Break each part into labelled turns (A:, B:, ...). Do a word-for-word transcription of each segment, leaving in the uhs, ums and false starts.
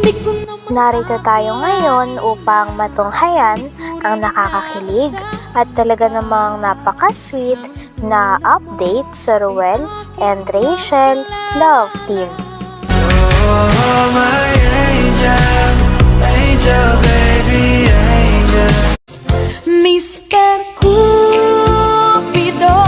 A: Narito tayo ngayon upang matunghayan ang nakakakilig at talaga namang napaka-sweet na update sa Ruel and Rachel Love Team.
B: Oh, my angel, angel, baby, angel.
C: Mister Cupido,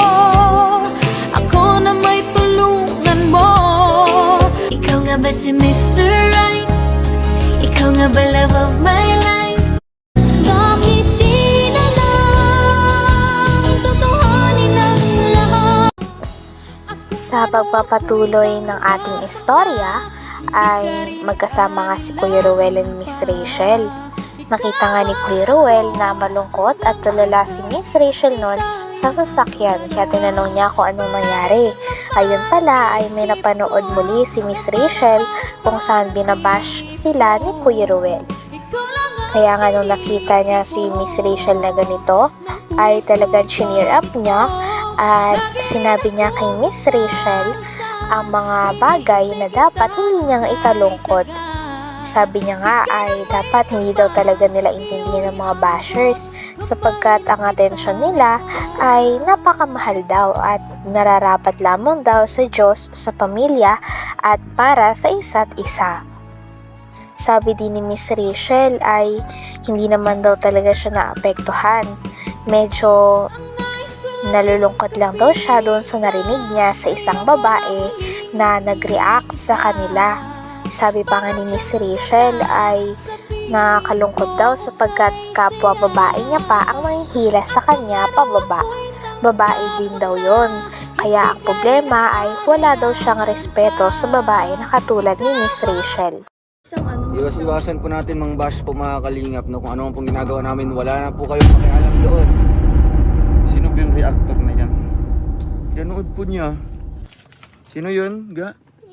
C: ako na may tulungan mo. Ikaw nga ba si Mister Right? Ikaw nga ba love of my life? Bakit di na lang tutuhanin ang lahat?
A: Sa pagpapatuloy ng ating istorya ay magkasama nga si Kuya Ruel and Miss Rachel. Nakita nga ni Kuya Ruel na malungkot at tulala si Miss Rachel noon sa sasakyan, kaya tinanong niya kung anong nangyari. Ayun pala ay may napanood muli si Miss Rachel kung saan binabash sila ni Kuya Ruel. Kaya nga nung nakita niya si Miss Rachel na ganito ay talagang chineer up niya at sinabi niya kay Miss Rachel ang mga bagay na dapat hindi niya ikalungkot. Sabi niya nga ay dapat hindi daw talaga nila intindihan ng mga bashers sapagkat ang atensyon nila ay napakamahal daw at nararapat lamang daw sa Diyos, sa pamilya at para sa isa't isa. Sabi din ni Miss Rachel ay hindi naman daw talaga siya naapektuhan. Medyo nalulungkot lang daw siya doon sa narinig niya sa isang babae na nag-react sa kanila. Sabi pa nga ni Miss Rachel ay nakakalungkot daw sapagkat kapwa babae niya pa ang manghihila sa kanya pababa. Babae din daw yon. Kaya ang problema ay wala daw siyang respeto sa babae na katulad ni Miss Rachel.
D: Iwas-iwasan po natin mga bash po mga kalingap, no? Kung ano pong ginagawa namin, wala na po kayong pakialam doon. Sino ba yung reactor na yan? Pinanood po niya. Sino yun? Ga?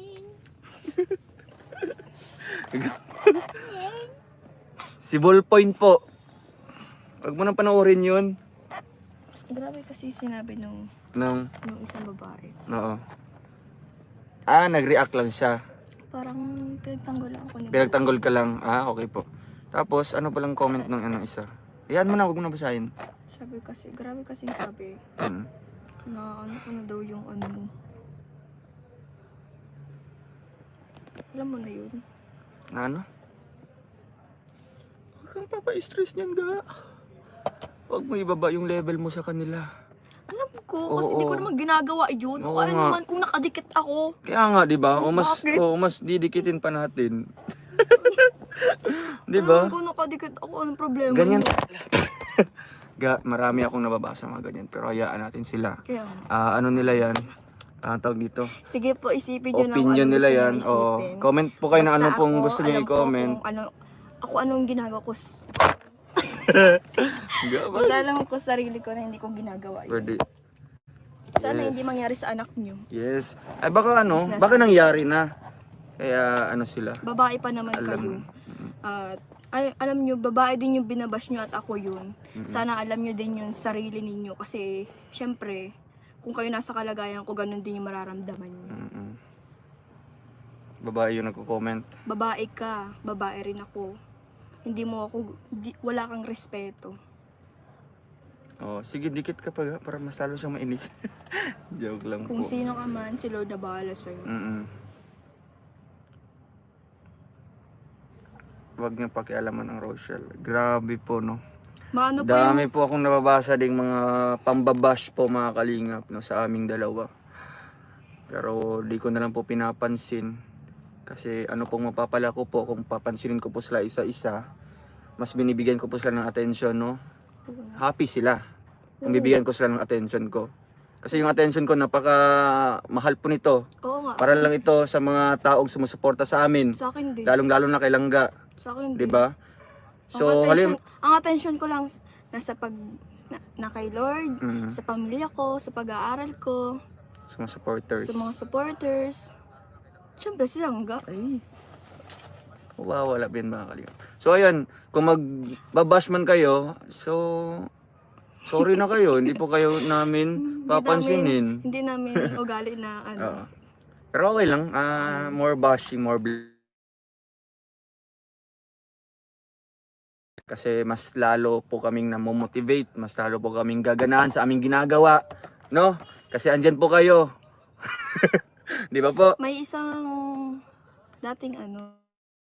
D: Si Ballpoint po. Huwag mo nang panoorin yun.
E: Grabe kasi sinabi nung,
D: Nang,
E: nung isang babae.
D: oo. Ah, nag-react lang siya.
E: Parang pinagtanggol lang ako ni
D: Pinagtanggol ka lang. Ah, okay po. Tapos, ano palang comment ng ano isa? Iyan mo na, huwag mo na basahin.
E: Sabi kasi, grabe kasi sabi
D: Hmm.
E: na ano ko na daw yung ano mo. Alam mo na yun.
D: Na ano? Huwag kang papa-stress niyan, ga. Huwag mo ibaba yung level mo sa kanila.
E: Alam ko, kasi
D: Oo.
E: di ko naman ginagawa yun.
D: Oo
E: O ano
D: nga.
E: naman kung nakadikit ako.
D: Kaya nga, di ba? O mas,
E: Bakit?
D: o mas didikitin pa natin. Di ba?
E: Alam ko nakadikit ako, anong problema?
D: Ganyan.
E: mo?
D: Ga, marami akong nababasa mga ganyan. Pero hayaan natin sila.
E: Kaya,
D: Ah, ano nila yan? Ah, tawag dito.
E: sige po, isipin nyo na
D: Opinion
E: kung ano
D: nila
E: gusto
D: yan.
E: nyo
D: Oo.
E: isipin.
D: Comment po kayo na
E: Basta
D: ano pong
E: ako,
D: gusto niyo
E: alam ko
D: i-comment.
E: kung Ano, ako anong ginagawa ko. s-
D: Ga, ba?
E: Basta alam ko sa sarili ko na hindi ko ginagawa yun.
D: Pwede.
E: Sana
D: Yes.
E: hindi mangyari sa anak nyo.
D: Yes. Ay baka ano,
E: Mas nasa-
D: baka nangyari na. Kaya ano sila.
E: Babae pa naman
D: Alam.
E: kayo. At ay, alam nyo, babae din yung binabash nyo at ako yun. Sana alam nyo din yung sarili ninyo kasi syempre, kung kayo nasa kalagayan ko, ganun din yung mararamdaman nyo.
D: Mm-mm. Babae yung nagko-comment.
E: Babae ka, babae rin ako. Hindi mo ako, di, wala kang respeto.
D: Oh, sige dikit ka pa ga, para mas lalo siyang mainis. Joke lang
E: Kung
D: po.
E: sino ka man, si Lord na bahala sa'yo.
D: Mm-mm. Huwag niyo pakialaman ang Rochelle. Grabe po, no.
E: Maano pa yung,
D: Dami po akong nababasa ding mga pambabash po mga kalingap, no, sa aming dalawa. Pero di ko na lang po pinapansin. Kasi ano pong mapapala ko po kung papansinin ko po sila isa-isa. Mas binibigyan ko po sila ng attention, no. Happy sila kung bibigyan ko sila ng attention ko. Kasi yung attention ko napaka mahal po nito.
E: oo nga,
D: Para lang ito sa mga taong sumusuporta sa amin.
E: sa akin din.
D: Lalong-lalo na kay Langga,
E: Sa akin
D: 'di
E: din.
D: ba?
E: So,
D: So,
E: ang attention,
D: halim
E: ang attention ko lang nasa pag na, na kay Lord,
D: Mm,
E: sa pamilya ko, sa pag-aaral ko,
D: sa mga supporters.
E: sa mga supporters. Siyempre si Langga.
D: Ay. Wawala din mga kalingap. So ayun, kung magbabash man kayo, so sorry na kayo, hindi po kayo namin papansinin.
E: Hindi namin, hindi namin ugali na ano.
D: Oo. Pero okay lang, ah more bashing, more Kasi mas lalo po kaming namomotivate, mas lalo po kaming gaganahan sa aming ginagawa, no? Kasi andyan po kayo. Di ba po?
E: May isang dating ano,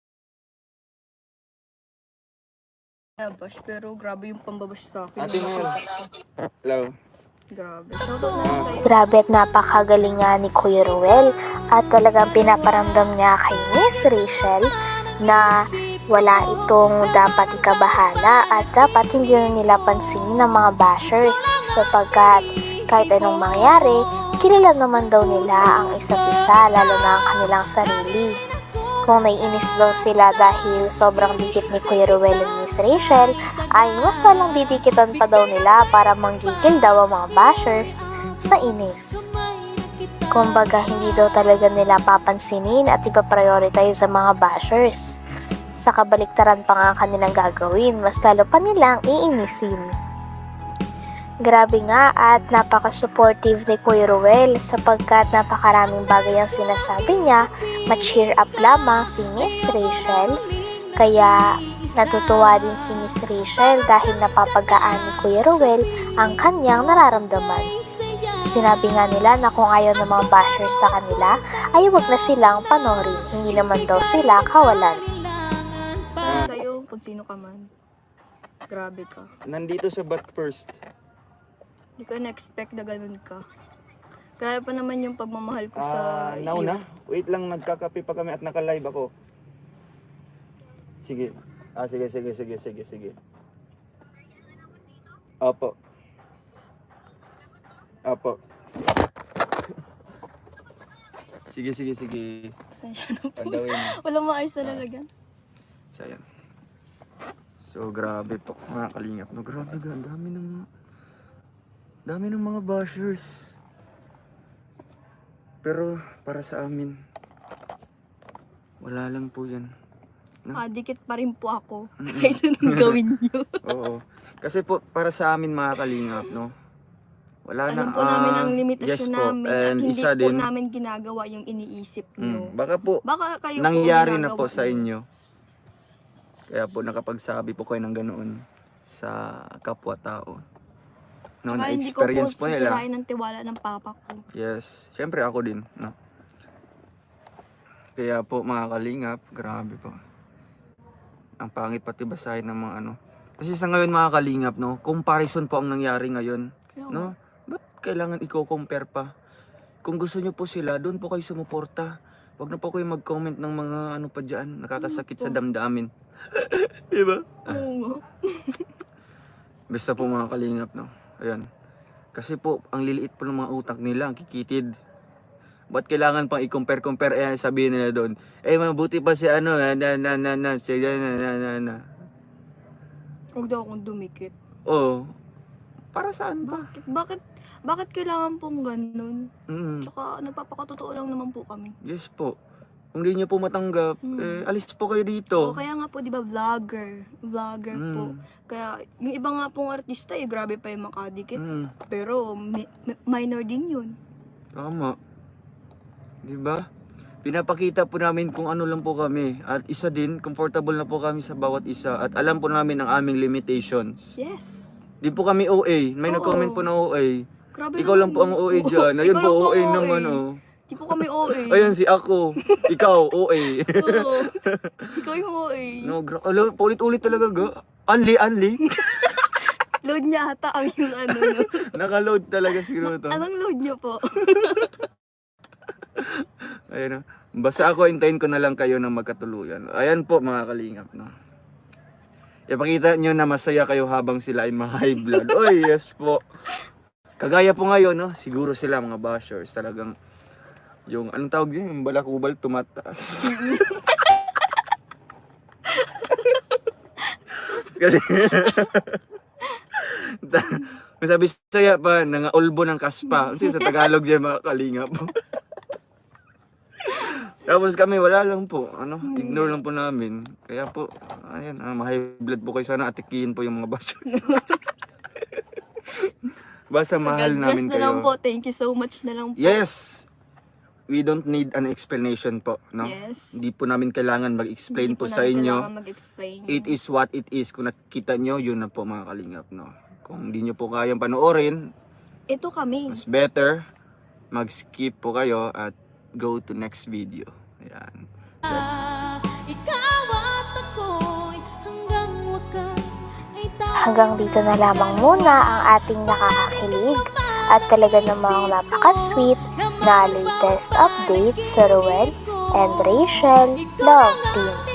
E: nabash, pero grabe yung pambabash sa akin.
D: Ate Mel. Hello.
E: Grabe. Shoutout na lang sa'yo.
A: Grabe at napakagaling nga ni Kuya Ruel at talagang pinaparamdam niya kay Miss Rachel na wala itong dapat ikabahala at dapat hindi na nila pansinin ng mga bashers sapagkat kahit anong mangyari, kilala naman daw nila ang isa't isa lalo na ang kanilang sarili. Kung naiinis daw sila dahil sobrang dikit ni Kuya Ruel at Miss Rachel, ay mas talang didikitan pa daw nila para manggigil daw ang mga bashers sa inis. Kumbaga hindi daw talaga nila papansinin at ipaprioritize ang mga bashers. Sa kabaliktaran pa nga ang kanilang gagawin, mas lalo pa nilang iinisin. Grabe nga at napaka-supportive ni Kuya Ruel sapagkat napakaraming bagay ang sinasabi niya, ma-cheer up lamang si Miss Rachel. Kaya natutuwa din si Miss Rachel dahil napapagaan ni Kuya Ruel ang kanyang nararamdaman. Sinabi nga nila na kung ayaw ng mga bashers sa kanila ay huwag na silang panoorin, hindi naman daw sila kawalan.
E: Sa'yo, kung sino ka man. Grabe ka.
D: Nandito sa But First.
E: Hindi ko na-expect na ganun ka. Kaya pa naman yung pagmamahal ko sa
D: Ah, now
E: iyo.
D: na. Wait lang, nagkakape pa kami at naka-live ako. Sige. Ah, sige, sige, sige, sige, sige. Opo. Opo. Sige, sige, sige.
E: Pasensya na po.
D: Pandawin.
E: Walang maayos na lalagyan.
D: So, ayan. So, grabe po, mga kalingap. No, grabe ga, ang dami ng... dami ng mga bashers. Pero, para sa amin, wala lang po yan. No?
E: Ah, dikit pa rin po ako. Kahit anong gawin niyo.
D: Oo. Kasi po, para sa amin, mga kalingap, no? Wala na.
E: Alam po namin
D: ah,
E: ang limitasyon
D: yes po.
E: namin at
D: And
E: hindi
D: isa
E: po
D: din,
E: namin ginagawa yung iniisip niyo.
D: mm, baka po,
E: Baka kayo po
D: nangyari na
E: ginagawa
D: po sa
E: niyo.
D: inyo. Kaya po nakapagsabi po kayo ng ganoon sa kapwa-tao. No,
E: Saka hindi ko po
D: na-experience po nila.
E: sisirain ang tiwala ng papa ko.
D: Yes, syempre ako din, no. Kaya po mga kalingap, grabe po. Ang pangit pati basahin ng mga ano. Kasi sa ngayon mga kalingap, no, comparison po ang nangyari ngayon,
E: Kaya,
D: no. Ba't kailangan i-compare pa? Kung gusto niyo po sila, doon po kayo sumuporta. Huwag na po kayo mag-comment ng mga ano pa diyan, nakakasakit sa damdamin. Di ba?
E: Oo.
D: Basta po mga kalingap, no. Ayan. Kasi po, ang liliit po ng mga utak nila, ang kikitid. Ba't kailangan pang i-compare-compare? Eh, sabihin nila doon, eh, mabuti pa si ano, na, na, na, na, na, si, na, na, na, na, na.
E: Huwag daw akong dumikit.
D: Oo. Para saan ba?
E: Bakit? Bakit? Bakit kailangan pong ganun?
D: Mm,
E: Tsaka nagpapakatotoo lang naman po kami.
D: yes po. Kung di niyo po matanggap,
E: Mm.
D: eh, alis po kayo
E: Oo,
D: dito.
E: kaya nga po, di ba, vlogger. Vlogger po.
D: Mm,
E: Kaya, yung iba nga pong artista, eh, grabe pa yung makadikit.
D: mm,
E: Pero, mi- mi- minor din yun.
D: tama. Di ba? Pinapakita po namin kung ano lang po kami. At isa din, comfortable na po kami sa bawat isa. At alam po namin ang aming limitations.
E: Yes.
D: Di po kami O A. May
E: Oo.
D: nag-comment po na O A.
E: Grabe
D: Ikaw lang
E: naman
D: po ang O A
E: yun.
D: dyan. Ayun
E: Ikaw
D: po,
E: lang
D: O A
E: ang
D: naman oh.
E: Di po kami O A.
D: Ayun si ako. Ikaw, O A.
E: Oo. Ikaw yung O A.
D: No, gra- Alo, paulit-ulit talaga ga. Anli, anli.
E: Load niya ata ang yung ano. No?
D: Nakaload talaga siguro to.
E: Anong load niyo po?
D: Ayun oh. Basta ako, hintayin ko na lang kayo ng magkatuluyan. Ayan po mga kalingap, no. Ipakita nyo na masaya kayo habang sila ay ma-high blood. Oy, yes po. Kagaya po ngayon, no, siguro sila mga bashers talagang yung anong tawag yun, yung balakubal tumataas. Kasi May sabi saya pa nangaulbo ng kaspa. Kasi sa Tagalog yan mga kalingap. Tapos kami wala lang po, ano, ignore lang po namin. Kaya po, ayan, ah, ma-high blood po kayo, sana atikiin po yung mga bashers. Basta mahal
E: God bless
D: namin
E: na
D: kayo.
E: lang po. Thank you so much na lang po.
D: Yes! we don't need an explanation po, no?
E: Yes.
D: Hindi po namin kailangan mag-explain
E: Hindi
D: po
E: po
D: sa
E: namin
D: inyo.
E: kailangan mag-explain.
D: It is what it is. Kung nakikita nyo, yun na po mga kalingap, no? Kung hindi nyo po kayang panoorin,
E: Ito kami.
D: mas better mag-skip po kayo at go to next video. Ayan.
C: Ikaw at ako'y hanggang wakas ay tayo.
A: Hanggang dito na lamang muna ang ating nakakakilig at talaga namang napaka-sweet na latest update sa Ruel and Rachel Love Team.